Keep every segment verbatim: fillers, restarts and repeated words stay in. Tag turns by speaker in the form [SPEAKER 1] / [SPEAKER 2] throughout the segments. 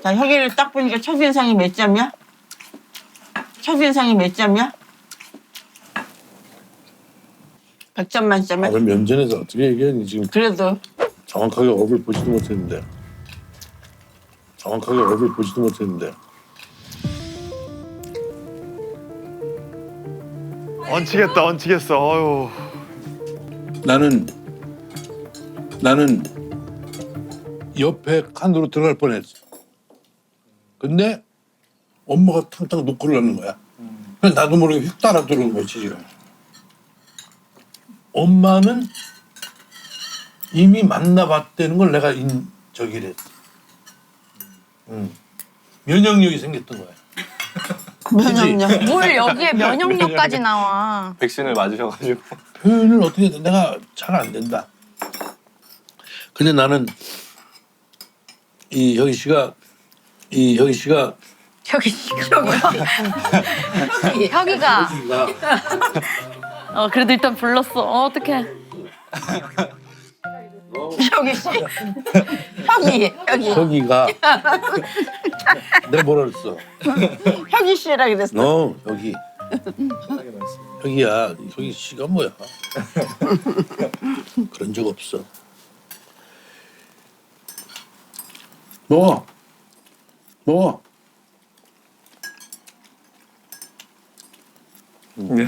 [SPEAKER 1] 자, 혁이를 딱 보니까 첫인상이 몇 점이야? 첫인상이 몇 점이야? 백 점 만점에?
[SPEAKER 2] 아, 면전에서 어떻게 얘기하니 지금
[SPEAKER 1] 그래도
[SPEAKER 2] 정확하게 얼굴 보지도 못했는데 정확하게 얼굴 보지도 못했는데
[SPEAKER 3] 얹히겠다, 얹히겠어. 어휴.
[SPEAKER 2] 나는 나는 옆에 칸으로 들어갈 뻔했어. 근데 엄마가 탕탕 노크를 하는 거야. 그래서 나도 모르게 휙 따라 들어오는 거야 지금. 엄마는 이미 만나봤다는 걸 내가 인 저기를 했어. 응. 면역력이 생겼던 거야.
[SPEAKER 1] 면역력.
[SPEAKER 4] 뭘 여기에 면역력까지 나와.
[SPEAKER 5] 백신을 맞으셔가지고.
[SPEAKER 2] 표현을 어떻게 해? 내가 잘 안 된다. 근데 나는 이 혁이 씨가 이 혁이 씨가
[SPEAKER 4] 혁이 씨가 혁이가
[SPEAKER 2] 혁이가
[SPEAKER 4] 어 그래도 일단 불렀어. 어 어떡해.
[SPEAKER 1] 혁이 씨. 혁이, 혁이.
[SPEAKER 2] 혁이가 내가 뭐라 그랬어?
[SPEAKER 1] 혁이 씨라 그랬어.
[SPEAKER 2] 너 여기 혁이야. 혁이 씨가 뭐야? 그런 적 없어. 먹어. 먹어.
[SPEAKER 3] 네.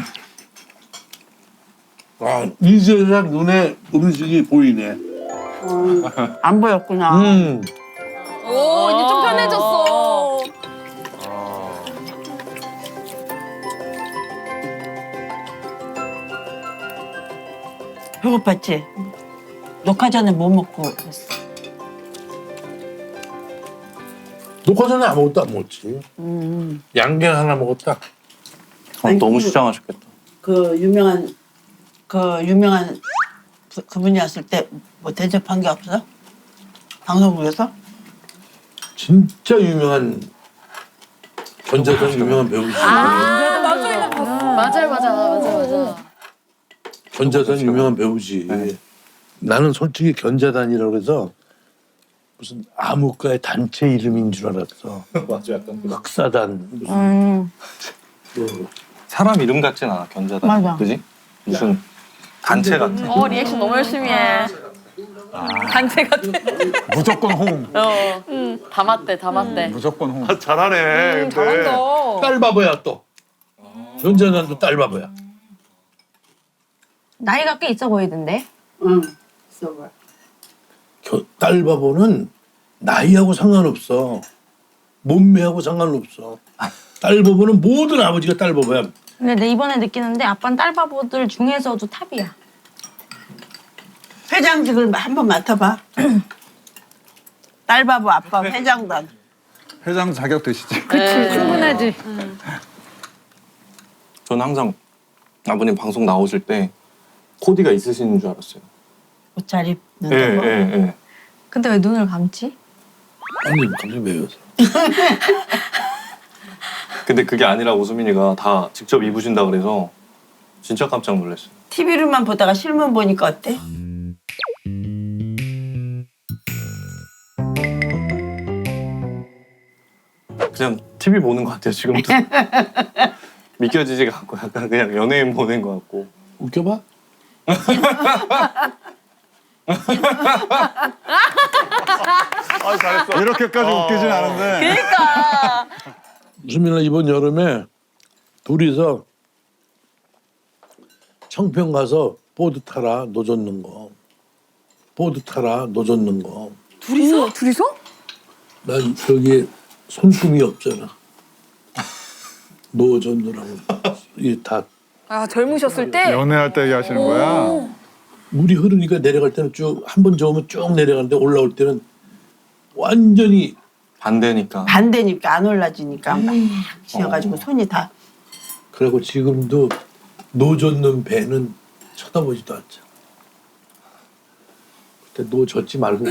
[SPEAKER 2] 아, 이제야 눈에 음식이 보이네.
[SPEAKER 1] 음, 안 보였구나.
[SPEAKER 2] 음.
[SPEAKER 4] 오 이제 좀 편해졌어.
[SPEAKER 1] 배고팠지? 녹화 전에 뭐 먹고 했어?
[SPEAKER 2] 녹화 전에 아무것도 안 먹었지.
[SPEAKER 1] 음.
[SPEAKER 2] 양갱 하나 먹었다.
[SPEAKER 5] 어,
[SPEAKER 1] 아니,
[SPEAKER 5] 너무
[SPEAKER 1] 그-
[SPEAKER 5] 시장하셨겠다.
[SPEAKER 1] 그 유명한 그 유명한 그, 그분이 왔을 때 뭐 대접한 게 없어? 방송국에서?
[SPEAKER 2] 진짜 유명한 견자단 유명한 배우지.
[SPEAKER 4] 맞아요 맞아 맞아 맞아.
[SPEAKER 2] 견자단 유명한 배우지.
[SPEAKER 5] 네.
[SPEAKER 2] 나는 솔직히 견자단이라고 해서 무슨 암흑가의 단체 이름인 줄 알았어.
[SPEAKER 5] 맞아, 약간.
[SPEAKER 2] 흑사단 무슨
[SPEAKER 4] 음.
[SPEAKER 2] 뭐
[SPEAKER 5] 사람 이름 같진 않아, 견자단.
[SPEAKER 1] 맞아.
[SPEAKER 5] 그지? 무슨 단체 같아.
[SPEAKER 4] 어 리액션 너무 열심히 해. 단체 같아.
[SPEAKER 3] 무조건 홍.
[SPEAKER 4] 어. 음. 다 맞대 다 맞대.
[SPEAKER 3] 무조건 홍. 아, 잘하네. 근데.
[SPEAKER 4] 잘한다.
[SPEAKER 2] 딸 바보야 또. 견자단도 딸 바보야.
[SPEAKER 4] 나이가 꽤 있어 보이던데.
[SPEAKER 1] 응. 있어봐.
[SPEAKER 2] 겨- 딸 바보는 나이하고 상관없어. 몸매하고 상관없어. 딸 바보는 모든 아버지가 딸 바보야.
[SPEAKER 4] 근데 내 이번에 느끼는데 아빠는 딸바보들 중에서도 탑이야.
[SPEAKER 1] 회장직을 한번 맡아봐. 딸바보 아빠 회장단.
[SPEAKER 3] 회장 자격 되시지.
[SPEAKER 4] 충분하지.
[SPEAKER 5] 저는 항상 아버님 방송 나오실 때 코디가 있으신 줄 알았어요.
[SPEAKER 1] 옷 잘 입는
[SPEAKER 5] 예,
[SPEAKER 1] 거.
[SPEAKER 5] 예, 예.
[SPEAKER 4] 근데 왜 눈을 감지?
[SPEAKER 2] 아니 갑자기 왜 웃어?
[SPEAKER 5] 근데 그게 아니라 오수민이가 다 직접 입으신다 그래서 진짜 깜짝 놀랐어요.
[SPEAKER 1] 티비로만 보다가 실물 보니까 어때?
[SPEAKER 5] 그냥 티비 보는 것 같아요, 지금도. 믿겨지지가 않고 약간 그냥 연예인 보는 것 같고.
[SPEAKER 2] 웃겨봐?
[SPEAKER 3] 아, 잘했어. 이렇게까지 웃기진 않은데.
[SPEAKER 4] 그러니까.
[SPEAKER 2] 수민아 이번 여름에 둘이서 청평 가서 보드 타라 노 젓는 거. 보드 타라 노 젓는 거.
[SPEAKER 4] 둘이서? 둘이서?
[SPEAKER 2] 나 여기 손금이 없잖아. 노 젓느라고. 이게 다
[SPEAKER 4] 아 젊으셨을 때?
[SPEAKER 3] 연애할 때 얘기하시는 거야?
[SPEAKER 2] 물이 흐르니까 내려갈 때는 쭉 한 번 저으면 쭉 내려가는데 올라올 때는 완전히
[SPEAKER 5] 반대니까.
[SPEAKER 1] 반대니까 안 올라지니까 막 지어가지고 손이 다.
[SPEAKER 2] 그리고 지금도 노 젓는 배는 쳐다보지도 않잖아. 그때 노 젓지 말고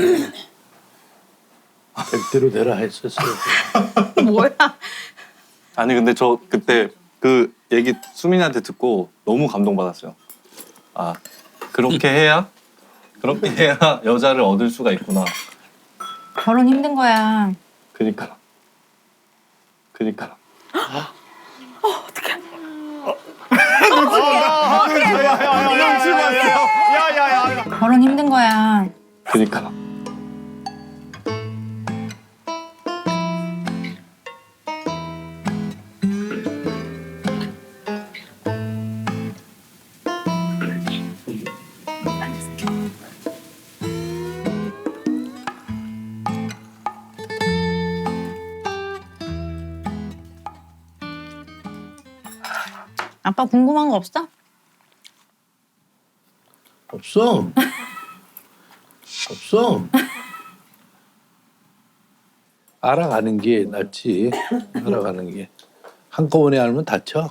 [SPEAKER 2] 백대로 내라 했었어요.
[SPEAKER 1] 뭐야?
[SPEAKER 5] 아니 근데 저 그때 그 얘기 수민이한테 듣고 너무 감동받았어요. 아 그렇게 해야 그렇게 해야 여자를 얻을 수가 있구나.
[SPEAKER 4] 결혼 힘든 거야.
[SPEAKER 5] 그니까. 그니까.
[SPEAKER 4] 결혼 힘든 거야.
[SPEAKER 5] 그니까.
[SPEAKER 4] 아빠 궁금한 거 없어?
[SPEAKER 2] 없어. 없어. 알아가는 게 낫지. 알아가는 게. 한꺼번에 알면 다쳐.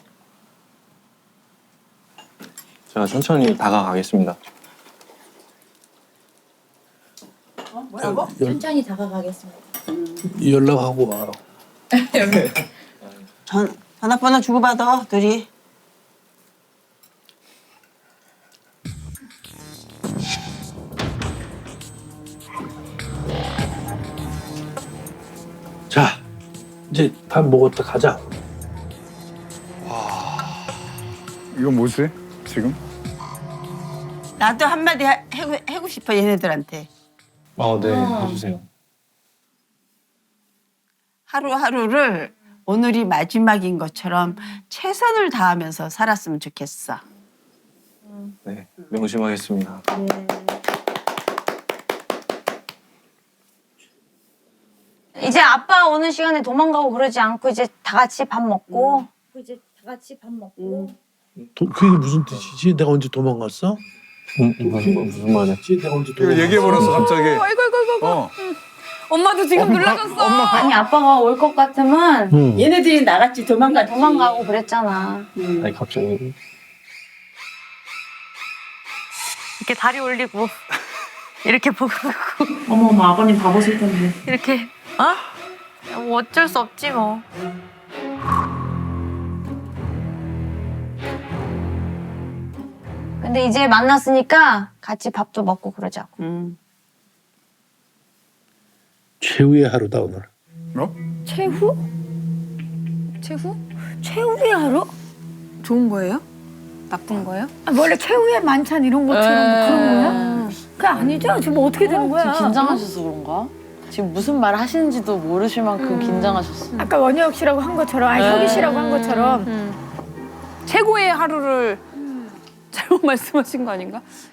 [SPEAKER 5] 제가 천천히 다가가겠습니다.
[SPEAKER 1] 뭐라고?
[SPEAKER 4] 천천히 다가가겠습니다.
[SPEAKER 2] 연락하고 와.
[SPEAKER 1] 전 전화번호 주고받아 둘이.
[SPEAKER 2] 자, 이제 밥 먹었다 가자.
[SPEAKER 3] 이건 뭐지? 지금?
[SPEAKER 1] 나도 한마디 하- 해고, 해고 싶어 얘네들한테.
[SPEAKER 5] 아, 네. 해주세요.
[SPEAKER 1] 하루하루를 오늘이 마지막인 것처럼 최선을 다하면서 살았으면 좋겠어.
[SPEAKER 5] 네. 명심하겠습니다.
[SPEAKER 4] 이제 아빠 오는 시간에 도망가고 그러지 않고 이제 다 같이 밥 먹고 이제 다 같이 밥 먹고
[SPEAKER 2] 도, 그게 무슨 뜻이지? 내가 언제 도망갔어?
[SPEAKER 5] 음, 무슨, 무슨 말이야?
[SPEAKER 2] 내가 언제
[SPEAKER 3] 이거
[SPEAKER 2] 도망갔어?
[SPEAKER 3] 얘기해버렸어 갑자기.
[SPEAKER 6] 아이고 아이고 아이고.
[SPEAKER 3] 어.
[SPEAKER 6] 엄마도 지금 놀라셨어.
[SPEAKER 4] 아니 아빠가 올 것 같으면
[SPEAKER 2] 응.
[SPEAKER 1] 얘네들이 나갔지 도망가
[SPEAKER 4] 도망가고 그랬잖아.
[SPEAKER 5] 아니, 갑자기.
[SPEAKER 4] 이렇게 다리 올리고 이렇게 보고
[SPEAKER 7] 어머 어머 아버님 바보실 텐데.
[SPEAKER 4] 이렇게 어? 뭐 어쩔 수 없지 뭐. 근데 이제 만났으니까 같이 밥도 먹고 그러자고.
[SPEAKER 1] 음.
[SPEAKER 2] 최후의 하루다 오늘.
[SPEAKER 3] 어?
[SPEAKER 6] 최후? 최후? 최후의 하루? 좋은 거예요? 나쁜 거예요?
[SPEAKER 7] 아, 원래 최후의 만찬 이런 것처럼 뭐 그런 거야? 그게 아니죠? 지금 뭐 어떻게 되는 거야?
[SPEAKER 8] 지금 긴장하셔서 그런가? 지금 무슨 말 하시는지도 모르실 만큼 긴장하셨어.
[SPEAKER 7] 아까 원혁 씨라고 한 것처럼, 아니 혁이 씨라고 한 것처럼
[SPEAKER 6] 최고의 하루를 잘못 말씀하신 거 아닌가?